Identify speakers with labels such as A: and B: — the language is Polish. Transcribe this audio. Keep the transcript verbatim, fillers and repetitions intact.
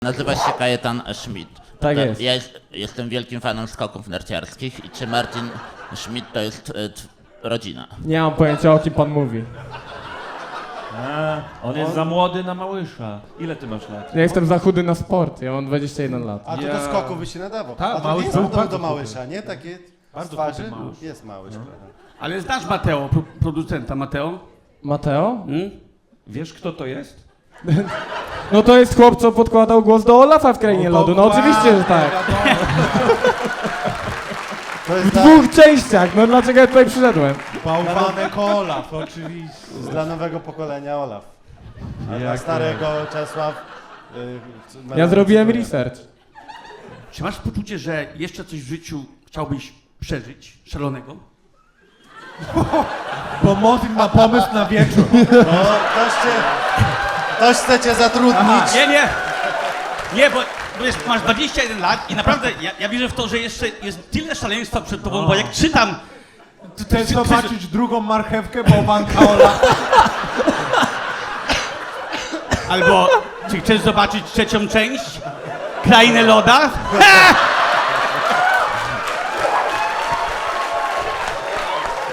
A: Nazywa się Kajetan Schmidt.
B: Tak
A: To
B: jest.
A: Ja jest, jestem wielkim fanem skoków narciarskich i czy Martin Schmidt to jest e, t, rodzina?
B: Nie mam pojęcia, o kim pan mówi.
C: A, on jest za młody na Małysza. Ile ty masz lat?
B: Ja jestem za chudy na sport, ja mam dwadzieścia jeden lat.
D: A to
C: Ja-
D: do skoku by się nadawał.
E: Tak,
D: A to
E: Małysz
D: jest
E: był
D: podobny
E: bardzo
D: do Małysza, nie? Takie
E: Bardzo
D: twarzy?
E: dobry Małysz.
D: Jest Małysz. No.
F: Ale znasz Mateo, pro, producenta Mateo?
B: Mateo?
F: Hmm?
C: Wiesz, kto to jest?
B: No to jest chłop, co podkładał głos do Olafa w Krainie Lodu. No oczywiście, że tak.
D: To
B: W
D: jest dla,
B: dwóch częściach, no dlaczego ja tutaj przyszedłem?
E: Bałwanek Olaf, oczywiście.
D: jest dla nowego pokolenia Olaf. A dla
C: Jak
D: starego Czesław... y,
B: Ja zrobiłem
D: cytuję.
B: research.
F: Czy masz poczucie, że jeszcze coś w życiu chciałbyś przeżyć szalonego?
E: Bo Motin ma pomysł na wieczór.
D: No, ktoś cię... Ktoś chce cię zatrudnić.
F: Nie, nie! Nie, bo, bo jest, masz dwadzieścia jeden lat i naprawdę ja, ja wierzę w to, że jeszcze jest tyle szaleństwa przed tobą, bo jak czytam... to- to-
E: Chcesz
F: to-
E: zobaczyć drugą marchewkę bałwanka Olaf?
F: Albo czy chcesz zobaczyć trzecią część? Krainę Loda? Ha!